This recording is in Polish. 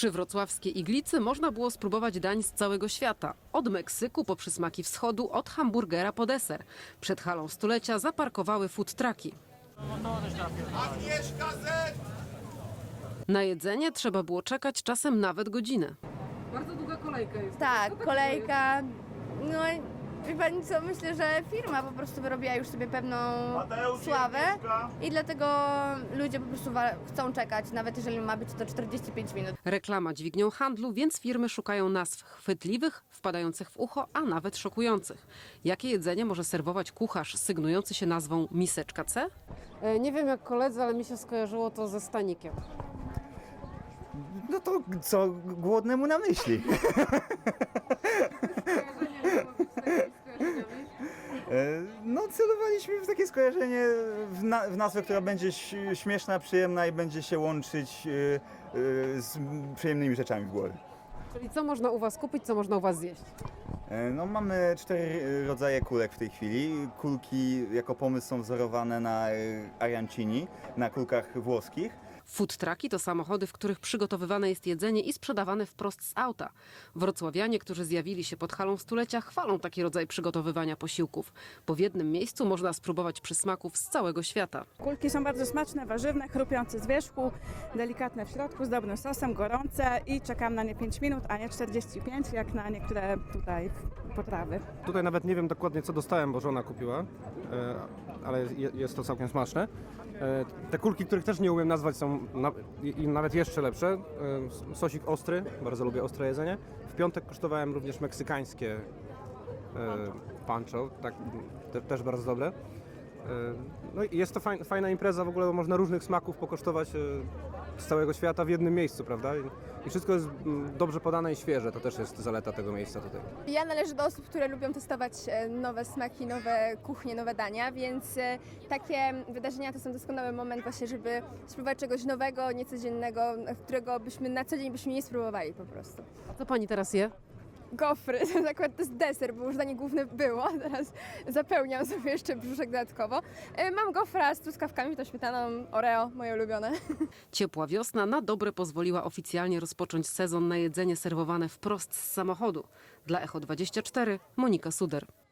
Przy wrocławskiej Iglicy można było spróbować dań z całego świata. Od Meksyku po przysmaki wschodu, od hamburgera po deser. Przed halą stulecia zaparkowały food trucki. Na jedzenie trzeba było czekać czasem nawet godzinę. Bardzo długa kolejka jest. Tak, kolejka. No wie pani co, myślę, że firma po prostu wyrobiła już sobie pewną sławę i dlatego ludzie po prostu chcą czekać, nawet jeżeli ma być to 45 minut. Reklama dźwignią handlu, więc firmy szukają nazw chwytliwych, wpadających w ucho, a nawet szokujących. Jakie jedzenie może serwować kucharz sygnujący się nazwą miseczka C? Nie wiem jak koledzy, ale mi się skojarzyło to ze stanikiem. No to co głodnemu na myśli? No celowaliśmy w takie skojarzenie, w nazwę, która będzie śmieszna, przyjemna i będzie się łączyć z przyjemnymi rzeczami w głowie. Czyli co można u Was kupić, co można u Was zjeść? No mamy 4 rodzaje kulek w tej chwili. Kulki jako pomysł są wzorowane na arancini, na kulkach włoskich. Food trucki to samochody, w których przygotowywane jest jedzenie i sprzedawane wprost z auta. Wrocławianie, którzy zjawili się pod halą stulecia, chwalą taki rodzaj przygotowywania posiłków, bo w jednym miejscu można spróbować przysmaków z całego świata. Kulki są bardzo smaczne, warzywne, chrupiące z wierzchu, delikatne w środku, z dobrym sosem, gorące i czekam na nie 5 minut, a nie 45, jak na niektóre tutaj potrawy. Tutaj nawet nie wiem dokładnie co dostałem, bo żona kupiła, ale jest to całkiem smaczne. Te kulki, których też nie umiem nazwać, są nawet jeszcze lepsze. Sosik ostry, bardzo lubię ostre jedzenie. W piątek kosztowałem również meksykańskie pancho, tak, też bardzo dobre. No i jest to fajna impreza w ogóle, bo można różnych smaków pokosztować z całego świata w jednym miejscu, prawda? I wszystko jest dobrze podane i świeże, to też jest zaleta tego miejsca tutaj. Ja należę do osób, które lubią testować nowe smaki, nowe kuchnie, nowe dania, więc takie wydarzenia to są doskonały moment właśnie, żeby spróbować czegoś nowego, niecodziennego, którego byśmy na co dzień nie spróbowali po prostu. A co Pani teraz je? Gofry, to akurat to jest deser, bo już danie główne było, teraz zapełniam sobie jeszcze brzuszek dodatkowo. Mam gofra z truskawkami, to śmietaną, Oreo, moje ulubione. Ciepła wiosna na dobre pozwoliła oficjalnie rozpocząć sezon na jedzenie serwowane wprost z samochodu. Dla Echo24 Monika Suder.